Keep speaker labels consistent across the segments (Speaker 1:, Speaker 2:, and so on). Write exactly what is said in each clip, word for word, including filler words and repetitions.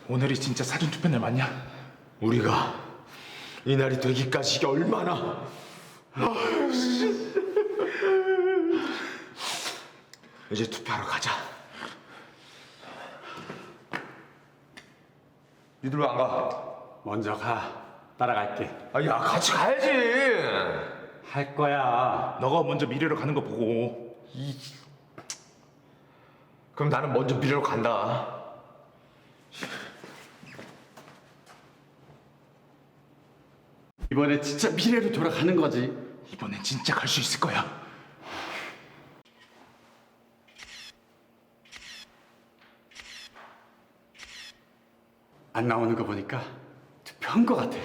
Speaker 1: 오늘이 진짜 사전투표 날 맞냐?
Speaker 2: 우리가 이 날이 되기까지 이게 얼마나. 아유, 씨. 이제 투표하러 가자. 니들 왜 안 가?
Speaker 3: 먼저 가. 따라갈게.
Speaker 2: 아, 야, 같이 가야지.
Speaker 3: 할 거야.
Speaker 1: 너가 먼저 미래로 가는 거 보고
Speaker 2: 이... 그럼 나는 먼저 미래로 간다.
Speaker 3: 이번에 진짜 미래로 돌아가는 거지.
Speaker 1: 이번엔 진짜 갈 수 있을 거야.
Speaker 3: 안 나오는 거 보니까 투표한 거 같아.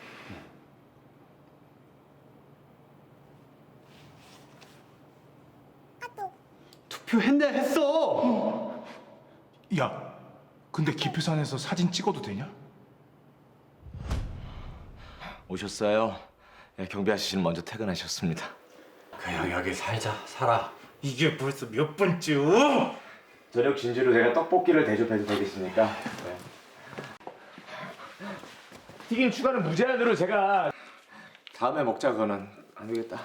Speaker 3: 투표했네 했어.
Speaker 1: 야, 근데 기표산에서 사진 찍어도 되냐?
Speaker 2: 오셨어요? 네, 경비 아저씨는 먼저 퇴근하셨습니다.
Speaker 3: 그냥 여기 살자. 살아.
Speaker 1: 이게 벌써 몇 번째요?
Speaker 2: 저녁 진지로 제가 떡볶이를 대접해도 되겠습니까? 네. 튀김 추가는 무제한으로 제가. 다음에 먹자. 그거는 안 되겠다.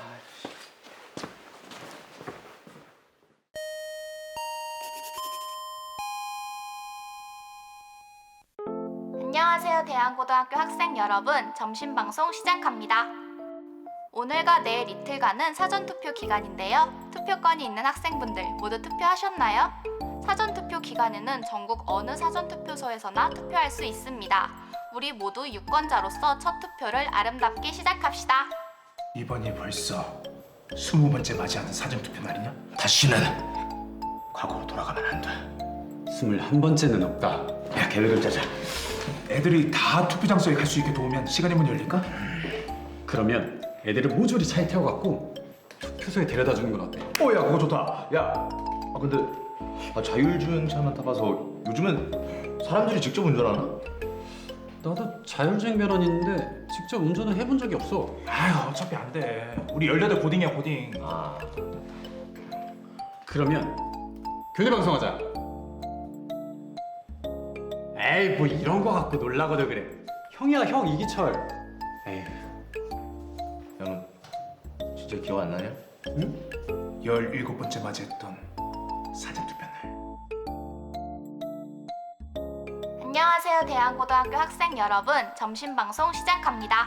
Speaker 4: 안녕하세요, 대한고등학교 학생 여러분. 점심방송 시작합니다. 오늘과 내일 이틀간은 사전투표 기간인데요. 투표권이 있는 학생분들 모두 투표하셨나요? 사전투표 기간에는 전국 어느 사전투표소에서나 투표할 수 있습니다. 우리 모두 유권자로서 첫 투표를 아름답게 시작합시다.
Speaker 1: 이번이 벌써 스무 번째 맞이하는 사전투표 날이냐? 다시는 과거로 돌아가면 안 돼.
Speaker 3: 스물한 번째는 없다.
Speaker 1: 야, 계획을 짜자. 애들이 다 투표 장소에 갈 수 있게 도우면 시간의 문이 열릴까?
Speaker 3: 그러면 애들을 모조리 차에 태워갖고 투표소에 데려다 주는 건 어때?
Speaker 1: 어, 야, 그거 좋다.
Speaker 2: 야, 아 근데 아, 자율주행차만 타봐서 요즘은 사람들이 직접 운전하나?
Speaker 3: 나도 자율주행 면허는 있는데 직접 운전을 해본 적이 없어.
Speaker 1: 아유, 어차피 안 돼. 우리 열여덟 고딩이야, 고딩.
Speaker 2: 아,
Speaker 3: 그러면 교대 방송하자. 에이, 뭐 이런 거 갖고 놀라고도 그래. 형이야, 형 이기철. 에이,
Speaker 2: 형 진짜 기억 안 나냐?
Speaker 3: 응?
Speaker 1: 열일곱 번째 맞이했던 사전투표 날.
Speaker 4: 안녕하세요, 대한고등학교 학생 여러분. 점심방송 시작합니다.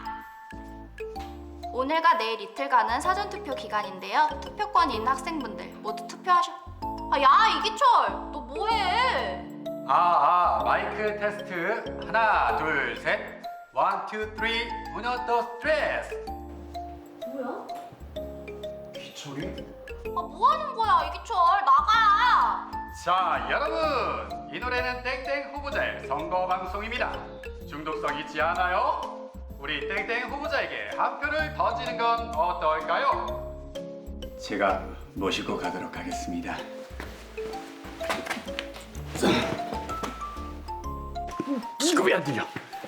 Speaker 4: 오늘과 내일 이틀간은 사전투표 기간인데요. 투표권이 있는 학생분들 모두 투표하셔. 아, 야, 이기철, 너 뭐해?
Speaker 3: 아, 아, 마이크 테스트. 하나, 둘, 셋. 원, 투, 쓰리. 우노, 도, 스트레스.
Speaker 4: 뭐야?
Speaker 1: 기철이?
Speaker 4: 아, 뭐 하는 거야, 이기철? 나가!
Speaker 3: 자, 여러분, 이 노래는 땡땡 후보자의 선거 방송입니다. 중독성 있지 않아요? 우리 땡땡 후보자에게 한 표를 던지는 건 어떨까요? 제가 모시고 가도록 하겠습니다. 이거 왜 안 들려?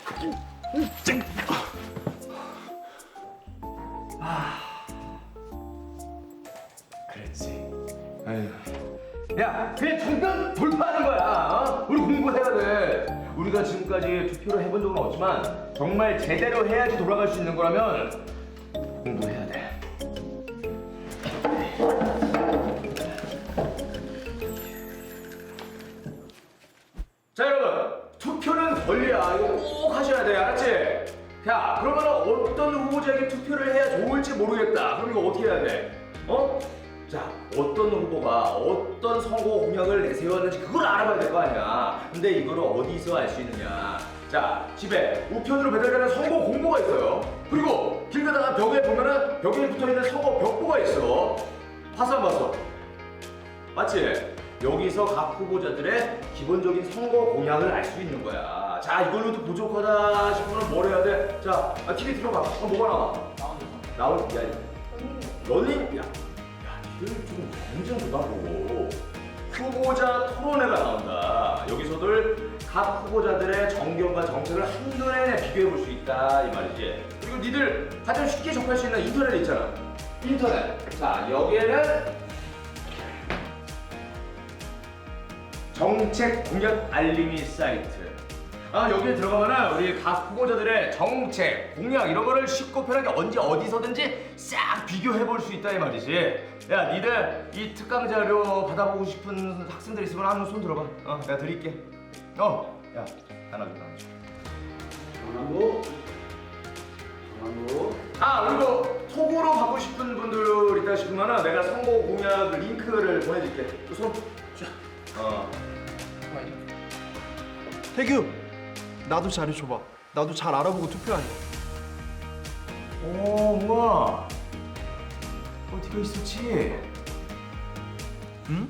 Speaker 1: 그랬지.
Speaker 2: 아유. 야, 그냥 잠깐 돌파하는 거야. 어? 우리 공부해야 돼. 우리가 지금까지 투표를 해본 적은 없지만 정말 제대로 해야지 돌아갈 수 있는 거라면 공부해야 돼. 자, 여러분, 투표는 권리야. 이거 꼭 하셔야 돼. 알았지? 자, 그러면 어떤 후보자에게 투표를 해야 좋을지 모르겠다. 그럼 이거 어떻게 해야 돼? 어? 자, 어떤 후보가 어떤 선거 공약을 내세웠는지 그걸 알아봐야 될 거 아니야. 근데 이거를 어디서 알 수 있느냐? 자, 집에 우편으로 배달되는 선거 공보가 있어요. 그리고 길 가다가 벽에 보면은 벽에 붙어있는 선거 벽보가 있어. 봤어 안 봤어? 맞지? 여기서 각 후보자들의 기본적인 선거 공약을 알 수 있는 거야. 자, 이걸로도 부족하다 싶으면 뭘 해야 돼? 자, 아, 티비 틀어봐. 어, 뭐가 나와? 나올, 야, 런닝, 야, 야, 니들 좀 완전 보다보고 후보자 토론회가 나온다. 여기서들 각 후보자들의 정견과 정책을 한눈에 비교해 볼 수 있다 이 말이지. 그리고 니들 가장 쉽게 접할 수 있는 인터넷 있잖아. 인터넷. 자, 여기에는 정책 공약 알림이 사이트. 아 여기에 들어가면은 우리 각 후보자들의 정책, 공약 이런 거를 쉽고 편하게 언제 어디서든지 싹 비교해 볼 수 있다 이 말이지. 야, 니들 이 특강 자료 받아보고 싶은 학생들 있으면 한번 손 들어봐. 어, 내가 드릴게. 어, 야, 하나 줘, 하나 줘.
Speaker 3: 전화부. 전화부.
Speaker 2: 아, 그리고 톡으로 받고 싶은 분들 있다 싶으면은 내가 선거 공약 링크를 보내줄게. 그 손. 자, 어.
Speaker 5: 태규, 나도 자료 줘봐. 나도 잘 알아보고 투표하니.
Speaker 2: 오, 우와. 어디가 있었지?
Speaker 5: 응?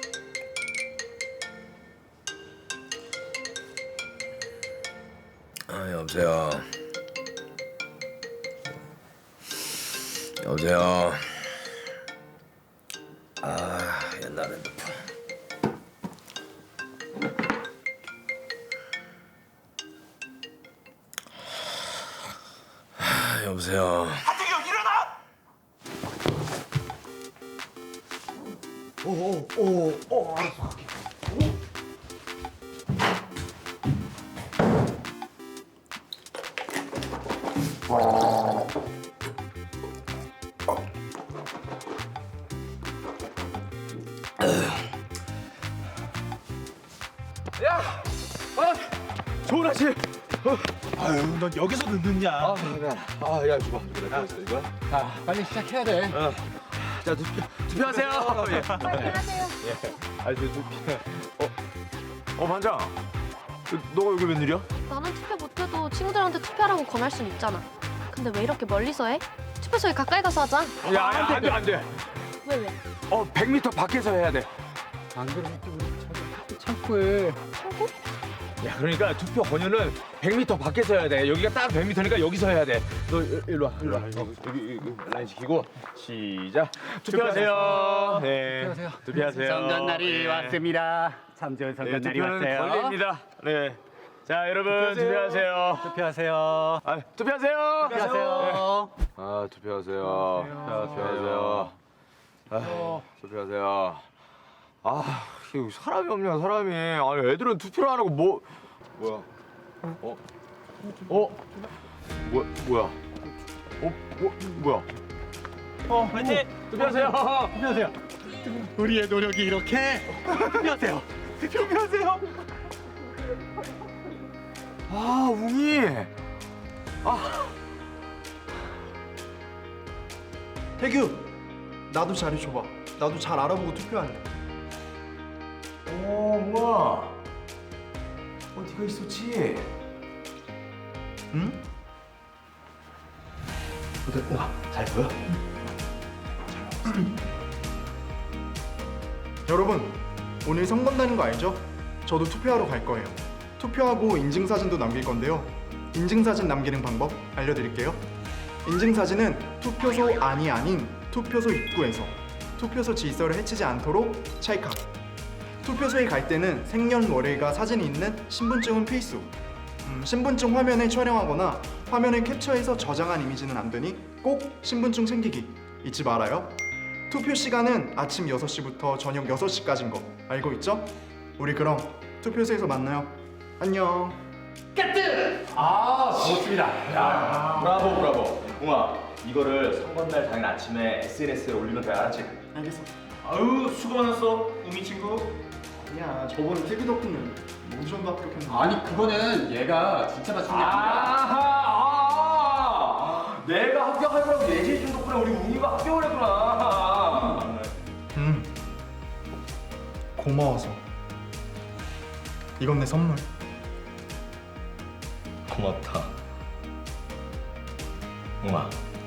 Speaker 6: 아, 여보세요. 여보세요. 아, 옛날 핸드폰. 아, 여보세요.
Speaker 5: 오오오오 알았어.
Speaker 2: 야, 아, 좋은 아침.
Speaker 1: 아유, 넌 여기서 늦느냐?
Speaker 2: 아, 아, 야, 줘봐. 이거 있어, 이거.
Speaker 3: 자, 빨리 시작해야 돼.
Speaker 2: 자, 투표, 투표하세요. 예.
Speaker 4: 안녕하세요.
Speaker 2: 아, 저 투표. 어, 어, 반장. 너가 여기 웬일이야?
Speaker 7: 나는 투표 못해도 친구들한테 투표하라고 권할 순 있잖아. 근데 왜 이렇게 멀리서 해? 투표소에 가까이 가서 하자.
Speaker 2: 야, 야, 안 돼, 안 돼.
Speaker 7: 왜 왜?
Speaker 2: 어, 백 미터 밖에서 해야 돼.
Speaker 3: 안 그러면 또 우리 저기 창고에.
Speaker 7: 창고?
Speaker 2: 야, 그러니까 투표 권유는 백 미터 밖에서 해야 돼. 여기가 딱 백 미터니까 여기서 해야 돼. 너 일- 일로 와, 일로 와. 어, 여기, 여기, 여기 라인 지키고 시작. 투표하세요. 네.
Speaker 3: 투표하세요.
Speaker 2: 투표하세요.
Speaker 3: 선거 날이
Speaker 2: 네.
Speaker 3: 왔습니다. 참 좋은 선거
Speaker 2: 네,
Speaker 3: 날이
Speaker 2: 투표는
Speaker 3: 왔어요.
Speaker 2: 권리입니다. 네. 자, 여러분 투표하세요.
Speaker 3: 투표하세요.
Speaker 2: 아, 투표하세요.
Speaker 3: 투표하세요.
Speaker 2: 아, 투표하세요. 투표하세요. 아, 투표하세요. 아, 이거 사람이 없냐, 사람이. 아니, 애들은 투표를 안 하고 뭐 뭐야? 어? 어? 뭐 뭐야? 어? 뭐 뭐야?
Speaker 1: 어, 화이팅!
Speaker 2: 투표하세요.
Speaker 3: 투표하세요. 우리의 노력이 이렇게 투표하세요.
Speaker 2: 투표하세요. 아, 웅이. 아,
Speaker 5: 태규, 나도 자료 줘봐. 나도 잘 알아보고 투표하니.
Speaker 2: 오, 우와. 어디가 있었지?
Speaker 5: 응?
Speaker 2: 어디, 우와, 잘 보여?
Speaker 5: 여러분, 오늘 선거한다는 거 알죠? 저도 투표하러 갈 거예요. 투표하고 인증사진도 남길 건데요. 인증사진 남기는 방법 알려드릴게요. 인증사진은 투표소 안이 아닌 투표소 입구에서 투표소 질서를 해치지 않도록 찰칵. 투표소에 갈 때는 생년월일과 사진이 있는 신분증은 필수. 음, 신분증 화면을 촬영하거나 화면을 캡처해서 저장한 이미지는 안 되니 꼭 신분증 챙기기 잊지 말아요. 투표 시간은 아침 여섯 시부터 저녁 여섯 시까지인 거 알고 있죠? 우리 그럼 투표소에서 만나요. 안녕.
Speaker 2: 아, 좋습니다. 야, 브라보, 브라보. 웅아, 이거를 선거날 당일 아침에 에스엔에스에 올리면 돼, 알았지?
Speaker 5: 알겠어.
Speaker 1: 아유, 수고 많았어, 우미 친구.
Speaker 5: 아니야, 저번에 태규 덕분에 모션도 합격했는데.
Speaker 3: 아니 그거는 얘가 진짜 맞춘 게 아니라.
Speaker 2: 아하, 아, 내가 합격할 거라고 예지해 준 덕분에 우리 웅이가 합격을 했구나.
Speaker 5: 음. 고마워서. 이건 내 선물.
Speaker 2: 고맙다. 웅아.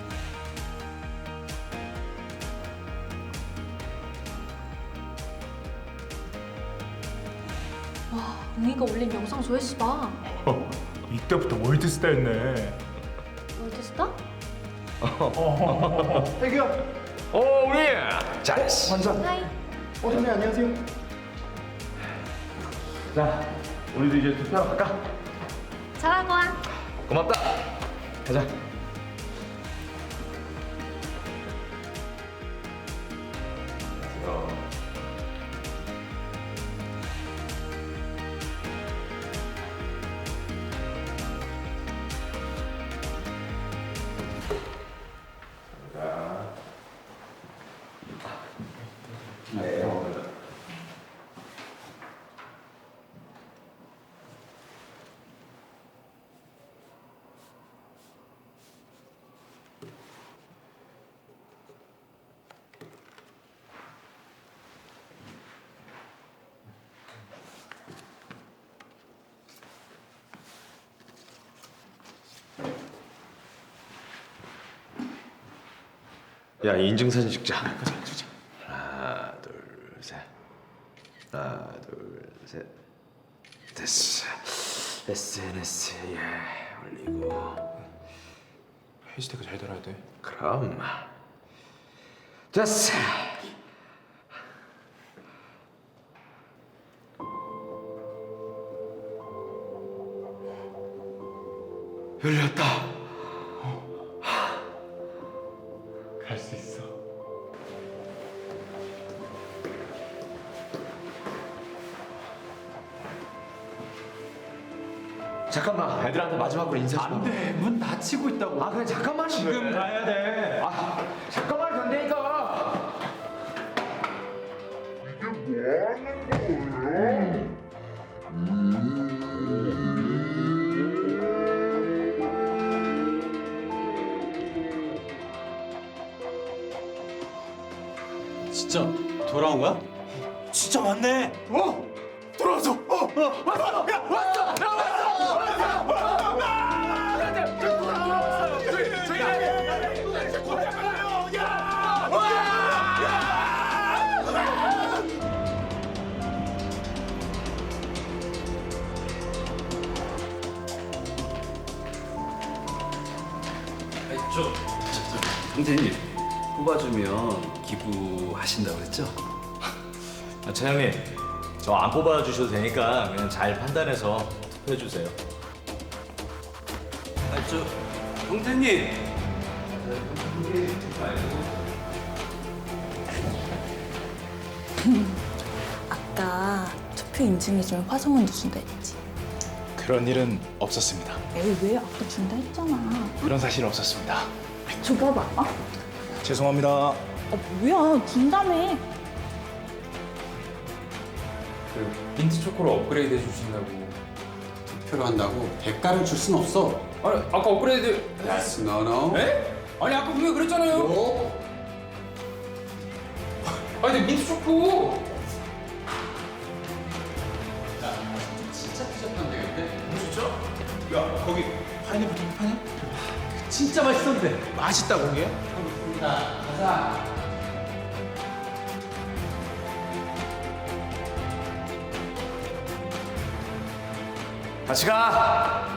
Speaker 7: 와, 웅이가 올린 영상 조회수 봐.
Speaker 1: 이때부터 월드스타였네.
Speaker 7: 월드스타?
Speaker 5: 태규야.
Speaker 2: 어, 우리 잘했어.
Speaker 5: 완전.
Speaker 7: 하이.
Speaker 5: 어, 선생님 안녕하세요.
Speaker 2: 자, 우리도 이제 투표하러 갈까?
Speaker 7: 잘하고 와.
Speaker 2: 고맙다. 가자. 야, 인증사진 찍자. 하나, 둘, 셋. 하나, 둘, 셋. 됐어. 에스엔에스에 올리고.
Speaker 1: 해시태그 잘 달아야 돼.
Speaker 2: 그럼. 됐어. 열렸다. 갈 수 있어. 잠깐만, 애들한테 마지막으로 인사 좀.
Speaker 1: 안돼, 문 닫히고 있다고.
Speaker 2: 아, 그래 잠깐만.
Speaker 1: 지금 가야 돼.
Speaker 2: 아, 잠깐만 된다니까.
Speaker 8: 진짜 돌아온 거야?
Speaker 1: 진짜 왔네. 어? 돌아왔어. 어, 어, 왔어. 야, 왔어. 나 왔어. 왔어. 와! 돌아왔어요. 저희 저희 돌아가요. 야! 와!
Speaker 8: 저, 저, 저 형제님 뽑아주면 기부하신다고 그랬죠?
Speaker 9: 아, 차장님, 저 안 뽑아주셔도 되니까 그냥 잘 판단해서 투표해 주세요.
Speaker 8: 아, 저 형제님.
Speaker 10: 아까 투표 인증해 주면 화성원도 준다 했지.
Speaker 1: 그런 일은 없었습니다.
Speaker 10: 에이 왜 아까 준다 했잖아.
Speaker 1: 그런 사실은 없었습니다.
Speaker 10: 줘봐봐. 어?
Speaker 1: 죄송합니다.
Speaker 10: 아 뭐야 준다며.
Speaker 11: 그 민트 초코로 업그레이드 해주신다고 투표를 한다고 대가를 줄 순 없어. 아니 아까 업그레이드. Yes, no, no. 에? 아니 아까 분명히 그랬잖아요. No. 아니 근데 민트 초코. 야 진짜 피자판 되겠네. 진짜?
Speaker 1: 야, 거기 파인애플 좀 파냐?
Speaker 11: 진짜 맛있었는데.
Speaker 1: 맛있다고 그게?
Speaker 11: 자 가자.
Speaker 2: 같이 가.